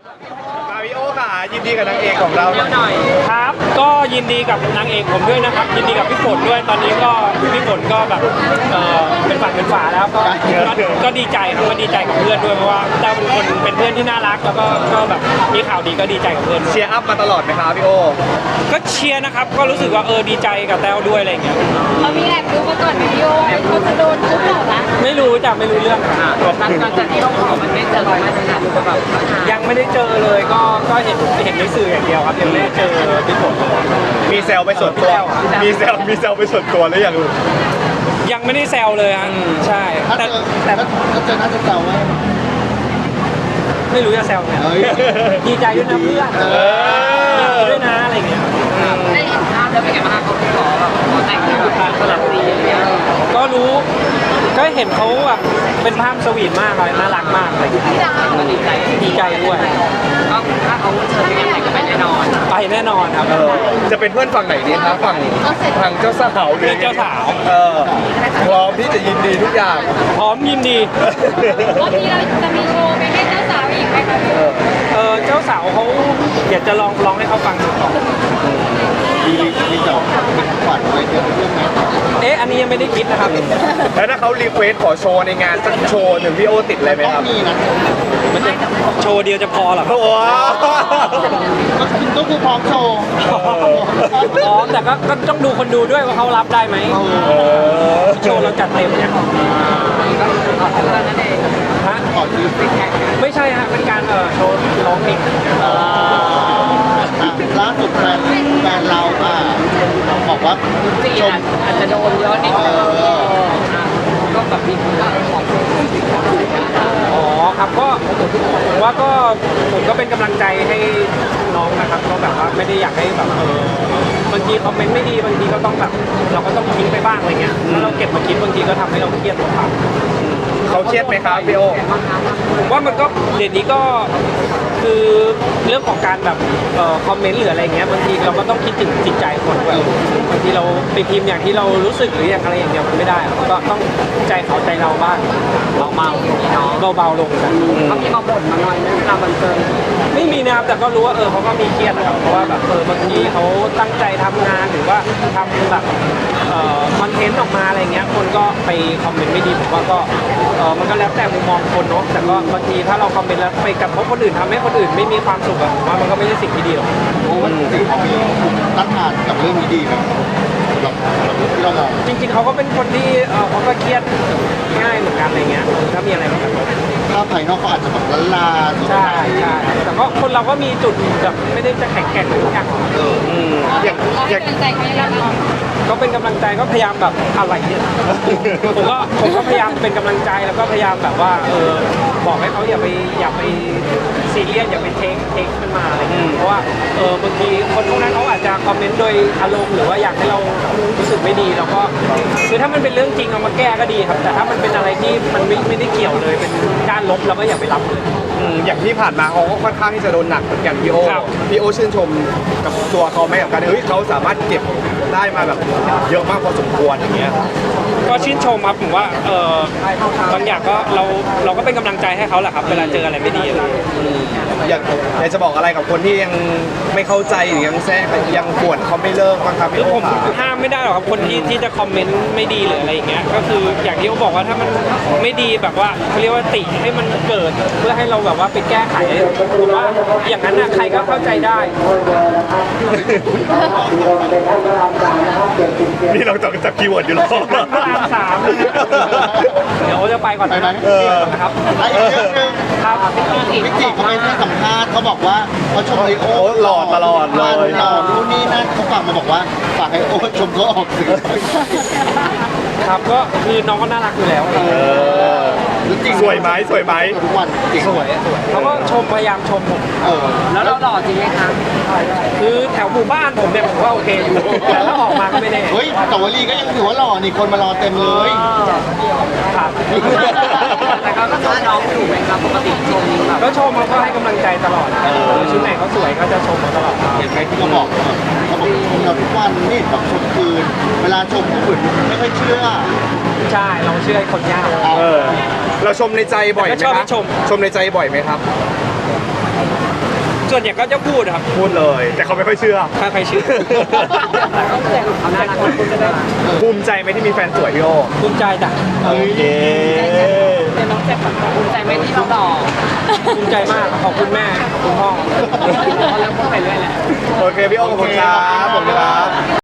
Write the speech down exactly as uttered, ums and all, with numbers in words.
มาริโอค่ะยินดีกับนางเอกของเราหน่อยครับก็ยินดีกับนางเอกผมด้วยนะครับยินดีกับพี่ฝนด้วยตอนนี้ก็พี่ฝนก็แบบเออเป็นฝั่งเป็นฝาแล้วก็ก็ดีใจครับก็ดีใจกับเพื่อนด้วยเพราะว่าเจ้าเป็นคนเป็นเพื่อนที่น่ารักแล้วก็ก็แบบมีข่าวดีก็ดีใจกับเพื่อนเชียร์อัพมาตลอดไหมครับพี่โอก็เชียร์นะครับก็รู้สึกว่าเออดีใจกับแต้วด้วยอะไรอย่างเงี้ยเรามีแอบดูมาก่อนวิดีโอเขาจะโดนทุบหรอคะไม่รู้จ้ะไม่รู้เรื่องหลังจากที่เราขอมันไม่เจอรอยมาตรฐานแบบยังไม่ได้เจอเลยก็ก็เห็นเห็นในสื่ออย่างเดียวครับยังไม่ได้เจอพี่ฝนมีแซวไปส่วนตัวมีแซวมีแซวไปส่วนตัวแล้วยังยังไม่ได้แซวเลยฮะใช่แต่แต่ถ้าเจอน่าจะแซวไหมไม่รู้จะแซวไงดีใจด้วยนะเพื่อนด้วยนะอะไรเงี้ยได้เห็นภาพแล้วเป็นไงบ้างเขาขอแบบขอแต่งงานสลับสีอย่างเงี้ยก็รู้ก็เห็นเขาแบบเป็นภาพสวีทมากเลยน่ารักมากเลยก็ดีใจดีใจด้วยก็ถ้าเขาเชิญไปงานแต่งก็ไปแน่นอนไปแน่นอนครับจะเป็นเพื่อนฝั่งไหนดีครับฝั่งฝั่งเจ้าสาวเพื่อนเจ้าสาวเออพร้อมที่จะยินดีทุกอย่างพร้อมยินดีรอบนี้เราจะมีโชว์ไปให้เจ้าสาวอีกไหมคะเออเจ้าสาวเขาอยากจะลองร้องให้เขาฟังดูก่อนมีมีเจ้าเป็นขวัญอะไรเยอะเรื่องไหมเอ๊ะอันนี้ยังไม่ได้คิดนะครับแล้วถ้าเขารีเควสขอโชว์ในงานสักโชว์หนึ่งพี่โอติดอะไรไหมครับมีนะมันจะโชว์เดียวจะพอหรอโอ้ก็คือพร้อมโชว์พร้อมแต่ก็ต้องดูคนดูด้วยว่าเขารับได้ไหมโชว์เราจัดเต็มเนี่ยก็ขอเท่านั้นเองฮะขอยืมไปแข่งไม่ใช่ฮะเป็นการเออโชว์ร้องเพลงล่าสุดแฟนแฟนเราอ่ะบอกว่าชมอาจจะโดนเยอะนิดนึงก็แบบมีคนว่าขอโทษอ๋อครับก็ผมว่าก็ผมก็เป็นกำลังใจให้น้องนะครับก็แบบว่าไม่ได้อยากให้แบบเออบางทีคอมเมนต์ไม่ดีบางทีก็ต้องแบบเราก็ต้องทิ้งไปบ้างอะไรเงี้ยถ้าเราเก็บมาคิดบางทีก็ทำให้เราเครียดตัวเปล่าเขาเครียดไหมครับพี่โอผมว่ามันก็เดี๋ยวนี้ก็คือเรื่องของการแบบเอ่อคอมเมนต์หรืออะไรเงี้ยบางทีเราก็ต้องคิดถึงจิตใจคนด้วยบางทีเราไปพิมพ์อย่างที่เรารู้สึกหรืออย่างอะไรอย่างเดียวมันไม่ได้ก็ต้องใจเขาใจเราบ้างเบาๆอย่างนี้เนาะเบาๆลงกันเขามีมาบ่นมาหน่อยนะเวลาบันเทิงไม่มีนะครับแต่ก็รู้ว่าเออเขาก็มีเครียดนะครับเพราะว่าแบบเออบางทีเขาตั้งใจทำงานหรือว่าทำแบบเอ่อคอนเทนต์ออกมาอะไรเงี้ยคนก็ไปคอมเมนต์ไม่ดีผมว่าก็เออมันก็แล้วแต่มุมมองคนเนาะแต่ก็บางทีถ้าเราคอมเมนต์แล้วไปกระทบคนอื่นทำให้คนอื่นไม่มีความสุขอะผมว่ามันก็ไม่ใช่สิ่งที่ดีหรอกโอ้มันสิ่งที่ตั้งทานกับเรื่องนี้ดีไหมสำหรับที่เรามองจริงๆเขาก็เป็นคนที่เออเขาก็เครียดง่ายเหมือนกันอะไรเงี้ยถ้ามีอะไรมากระทบถ้าภายนอกเขาอาจจะแบบละลาใช่ใช่แต่ก็คนเราก็มีจุดแบบไม่ได้จะแข็งแกร่งทุกอย่างอย่างอย่างใจเขายังไงก็เป็นกำลังใจก็พยายามแบบอะไรเนี่ยผมก็ผมก็พยายามเป็นกำลังใจแล้วก็พยายามแบบว่าเออบอกให้เขาอย่าไปอย่าไปซีเรียสอย่าไปเทคเทคมันมาอะไรเงี้ยเพราะว่าเออบางทีคนพวกนั้นเขาอาจจะคอมเมนต์โดยอารมณ์หรือว่าอยากให้เรารู้สึกไม่ดีแล้วก็คือถ้ามันเป็นเรื่องจริงเอามาแก้ก็ดีครับแต่ถ้ามันเป็นอะไรที่มันไม่ไม่ได้เกี่ยวเลยเป็นด้านลบเราก็อย่าไปรับเลยอย่างที่ผ่านมาเขาก็ค่อนข้างที่จะโดนหนักเหมือนกันพี่โอพี่โอชื่นชมกับตัวเขาไหมกับการเฮ้ยเขาสามารถเก็บได้มาแบบเยอะมากพอสมควรอย่างเงี้ยก็ชื่นชมครับผมว่าเออบางอย่างก็เราเราก็เป็นกำลังใจให้เขาแหละครับเวลาเจออะไรไม่ดีอะไรอยากอยากจะบอกอะไรกับคนที่ยังไม่เข้าใจหรือยังแซะยังปวดเขาไม่เลิกบ้างครับพี่โอผมห้ามไม่ได้หรอกครับคนที่ที่จะคอมเมนต์ไม่ดีหรืออะไรอย่างเงี้ยก็คืออย่างที่เขาบอกว่าถ้ามันไม่ดีแบบว่าเขาเรียกว่าติให้มันเกิดเพื่อให้เราแบบว่าไปแก้ไขผมว่าอย่างนั้นนะใครก็เข้าใจได้นี่เราจับจับคีย์เวิร์ดอยู่หรอพระรามสามเดี๋ยวจะไปก่อนนะครับไอ้เรื่องนึงครับวิกิเขาไปให้สัมภาษณ์เขาบอกว่าเขาชมไอโอหล่อตลอดเลยหล่อนู่นนี่นั่นเขาฝากมาบอกว่าฝากไอโอชมเขาออกสื่อครับก็คือน้องก็น่ารักอยู่แล้วสวยไหมสวยไหมทุกวันจริงสวยสวยเขาก็ชมพยายามชมผมแล้วเราหล่อจริงไหมคะคือแถวหมู่บ้านผมเนี่ยผมว่าโอเคอยู่แต่ถ้าออกมาก็ไม่แน่เฮ้ยแต่วลีก็ยังถือว่าหล่อนี่คนมารอเต็มเลยครับแต่เขาก็ชมน้องอยู่ไหมครับปกติชมแบบก็ชมเขาก็ให้กำลังใจตลอดชุดไหนเขาสวยเขาจะชมเขาตลอดเห็นไหมที่เขาบอกเขาบอกชมเราทุกวันนี่แบบชมคืนเวลาชมผู้อื่นไม่ค่อยเชื่อใช่เราเชื่อคนยากเราชมในใจบ่อยไหมครับชมชมในใจบ่อยไหมครับส่วนใหญ่ก็จะพูดครับพูดเลย แต่เขาไม่ค่อยเชื่อถ้าใครเชื่อแต่ก็แต่เขาน่ารักคนจะได้ภูมิใจไหมที่มีแฟนสวยพี่โอภูมิใจจ้ะโอเคเป็นน้องแจ็คแบบภูมิใจไหมที่เราหล่อภูมิใจมากขอบคุณแม่ขอบคุณพ่อแล้วพูดไปเรื่อยแหละโอเคพี่โอขอบคุณครับขอบคุณครับ